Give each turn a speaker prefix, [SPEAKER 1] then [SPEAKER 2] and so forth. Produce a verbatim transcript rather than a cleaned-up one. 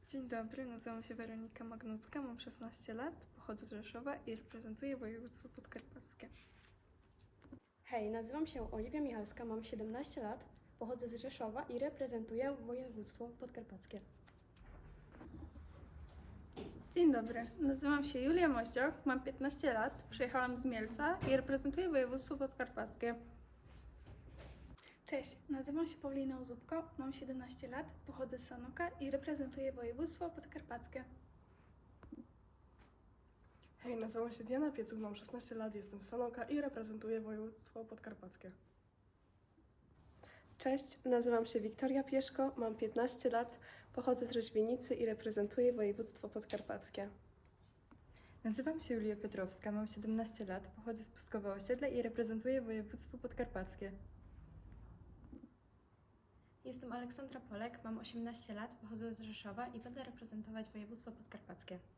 [SPEAKER 1] Dzień dobry, nazywam się Weronika Magnucka, mam szesnaście lat, pochodzę z Rzeszowa i reprezentuję województwo podkarpackie.
[SPEAKER 2] Hej, nazywam się Oliwia Michalska, mam siedemnaście lat, pochodzę z Rzeszowa i reprezentuję województwo podkarpackie.
[SPEAKER 1] Dzień dobry, nazywam się Julia Moździoch, mam piętnaście lat, przyjechałam z Mielca i reprezentuję województwo podkarpackie.
[SPEAKER 3] Cześć, nazywam się Paulina Uzubko, mam siedemnaście lat, pochodzę z Sanoka i reprezentuję województwo podkarpackie.
[SPEAKER 4] Hej, nazywam się Diana Piecuch, mam szesnaście lat, jestem z Sanoka i reprezentuję województwo podkarpackie.
[SPEAKER 5] Cześć, nazywam się Wiktoria Pieszko, mam piętnaście lat, pochodzę z Roźwienicy i reprezentuję województwo podkarpackie.
[SPEAKER 6] Nazywam się Julia Piotrowska, mam siedemnaście lat, pochodzę z Pustkowa Osiedla i reprezentuję województwo podkarpackie.
[SPEAKER 2] Jestem Aleksandra Polek, mam osiemnaście lat, pochodzę z Rzeszowa i będę reprezentować województwo podkarpackie.